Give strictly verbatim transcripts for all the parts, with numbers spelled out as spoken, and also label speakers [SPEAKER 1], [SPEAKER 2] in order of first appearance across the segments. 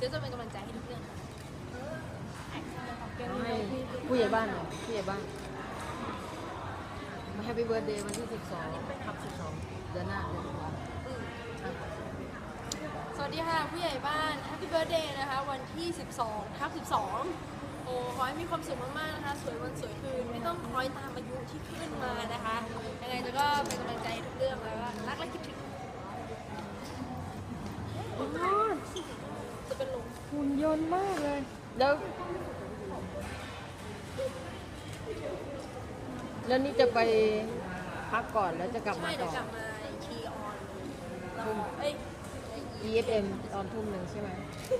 [SPEAKER 1] ดี๋ยวจะเป็นกำลังใจให้ทุกเรื่องค่ะ
[SPEAKER 2] ให้ผู้ใหญ่บ้านหน่อยผู้ใหญ่บ้านมาแฮปปี้เบิร์ดเดย์วันที่สิบสองทับสิบสองเดือนหน้าเดือนหน้า
[SPEAKER 1] สวัสดีค่ะผู้ใหญ่บ้าน Happy Birthday นะคะวันที่สิบสองทับสิบสองโอ้ขอให้มีความสุขมากๆนะคะสวยวันสวยคืนไม่ต้องคล้อยตามอายุที่ขึ้นมานะคะยังไงจะก็เป็นกำลังใจทุกเรื่องแล้วก็รักและคิดถึงจะเป็นลม
[SPEAKER 2] หุ่นยนต์มากเลยแล้วแล้วนี่จะไปพักก่อนแล้วจะกลับมา
[SPEAKER 1] ใช่เดี๋
[SPEAKER 2] ต่
[SPEAKER 1] ยว
[SPEAKER 2] อ
[SPEAKER 1] กลับมาทีออนเอ้ย
[SPEAKER 2] อี เอฟ เอ็ม ตอนทุ่มหนึ่งใช่ไหม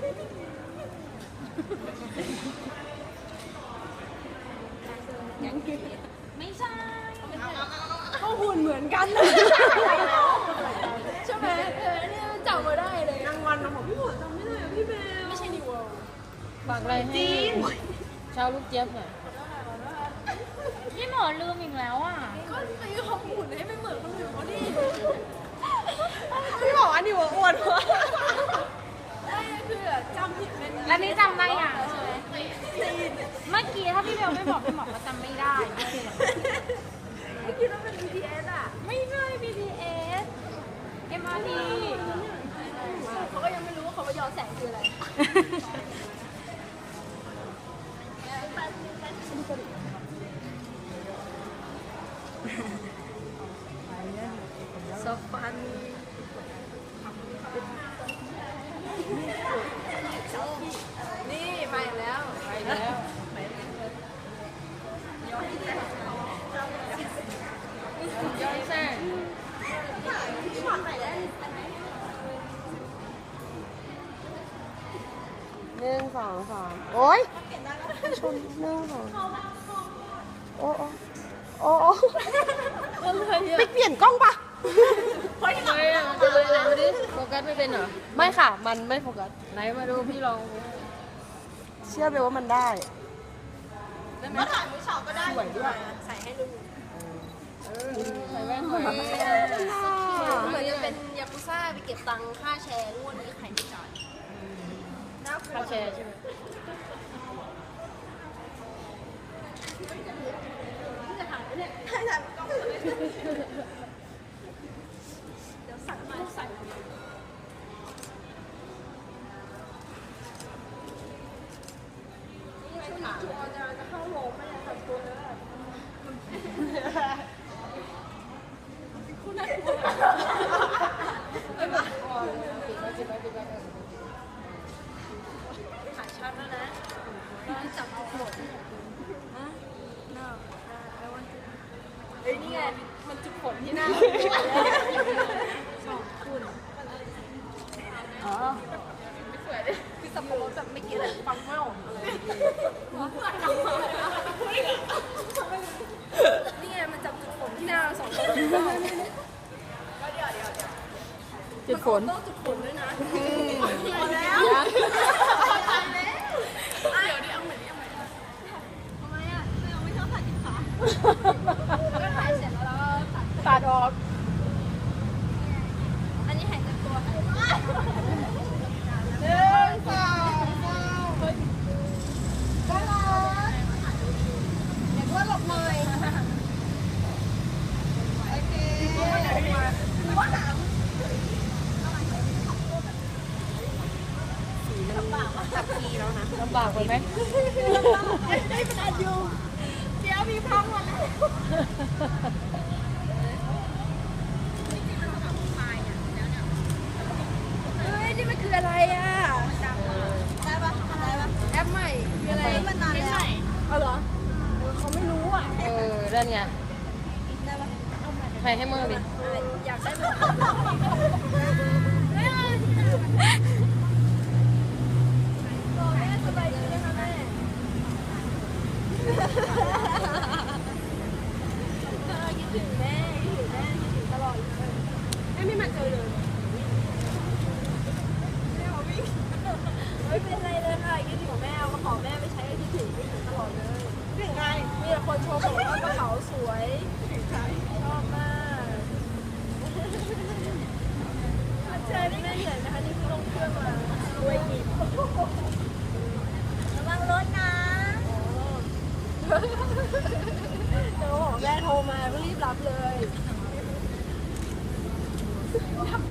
[SPEAKER 1] ยังกินไม่ใช่
[SPEAKER 3] ก็หุ่นเหมือนกันเลย
[SPEAKER 1] ใช่ไหมเออเนี่ยจำมาได้เลย
[SPEAKER 3] รางวัลนะผมพี่หมดจำไม่ได้อะพี่เบล
[SPEAKER 1] ไม่ใช่นิวเวิลด์
[SPEAKER 2] ฝากอะไรให้ชาวลูกเจี๊ยบหน่อย
[SPEAKER 4] พี่หมอลืมอีกแล้วอ่ะ
[SPEAKER 1] ก็ไปขอบคุณให้ไม่เหมือนคนอื่นเขาดิ
[SPEAKER 3] พี่บอกว่านี่ว่าอ้วนวะ
[SPEAKER 1] ไม่คือจำผิดเป็น
[SPEAKER 4] แล้วนี่จำได้ยัง
[SPEAKER 1] ใช่ไหม
[SPEAKER 4] เมื่อกี้ถ้าพี่เบลไม่บอกพี่หมอก็จำไม่ได้
[SPEAKER 1] ไม่คิดว่าเป็น บี ที เอส อ่ะ
[SPEAKER 4] ไม่ใช่ บี ที เอส เอ็ม อาร์ ที
[SPEAKER 1] เขาก็ยังไม่รู้ว่าเขาว่าย้อนแสงคืออะไร
[SPEAKER 2] ซอฟัน
[SPEAKER 1] นี่ไปแล้ว
[SPEAKER 2] ไปแล้วย้อนแสงหนึ่งสองสามโอ๊ยชนหนึ่งสองโอ้โอ้โอ้โอ้
[SPEAKER 3] ไปเปลี่ยนกล้องปะ
[SPEAKER 2] ไม่อะมันจะเลยไหนมาดิโฟกัสไม่เป็นเหรอ
[SPEAKER 3] ไม่ค่ะ มันไม่โฟกัส
[SPEAKER 2] ไหนมาดูพี่ลอง
[SPEAKER 3] เชื่อเบลว่ามันได้
[SPEAKER 1] มาถ่ายมือสองก็ได้สวยด้วยใส่ให้ดู
[SPEAKER 2] ใส่แว่นหน่อย
[SPEAKER 1] เหมือนจะเป็นยากุซ่าไปเก็บตังค่าแชร์งวดนี้ใครไม่จ่าย
[SPEAKER 2] ค่าแชร์ใช่ไหม
[SPEAKER 1] จะถ่ายเนี่ยเดี๋ยวสั่งมาใส่ช่วงนี้จูออนจะเข้าโรงไม่ได้ทำตัวแล้วคุณน่ากลัวถ่ายชัดแล้วนะเราจับเอาหมดฮะ no I want to เฮ้ยนี่ไงมันจุดผลที่หน้าสองคุณอ๋อไม่สวยเลยคือสับปะรดแบบไม่กินอะไรฟังไม่ออกเลยนี่ไงมันจับจุดผลที่หน้าสองคนก็เดี๋ยวเดี๋ยวเดี๋ยว
[SPEAKER 2] จุดฝน
[SPEAKER 1] ต้องจุดผลด้วยนะ
[SPEAKER 2] พอแล้ว
[SPEAKER 1] ตายแล้วเดี๋ยวดิเอาใหม่ดิเอาใหม่ทำไมอ่ะเราไม่ชอบถ่ายติดขาก็ถ่ายเสร็จแล้วเราตัด
[SPEAKER 2] ตัดออก
[SPEAKER 1] อันนี้หายจากตัวหนึ่งสองสามก็รอเดี๋ยวก็หลบหน่อยโอเคลำบากสักทีแล้วนะ
[SPEAKER 2] ลำบากไปไหม
[SPEAKER 1] ได้เป็นอายุเดี๋ยวมีพังหมดแล้วเฮ้ยนี่มันคืออะไรอ่ะได้ปะได้ปะแอปใหม่คืออะไรมันนานแล้วเอาเหรอเขาไม่รู้อ่ะ
[SPEAKER 2] เออด้านไง
[SPEAKER 1] ได้ปะ
[SPEAKER 2] ใครให้มือดิ
[SPEAKER 1] อยากได้แบบบอกแม่สบายดีนะคะแม่คิดถึงแม่คิดถึงแม่คิดถึงตลอดเลยแม่ไม่มาเจอเลยแม่เอาวิ่งไม่เป็นไรเลยค่ะคิดถึงแม่เอากระเป๋าแม่ไปใช้คิดถึงคิดถึงตลอดเลยถึงไงมีแต่คนชมบอกว่ากระเป๋าสวยถึงใครชอบมากเจอได้ไงเหนื่อยนะคะนี่คือลงเครื่องมาด้วยกินเขาบอกแม่โทรมาก็รีบรับเลย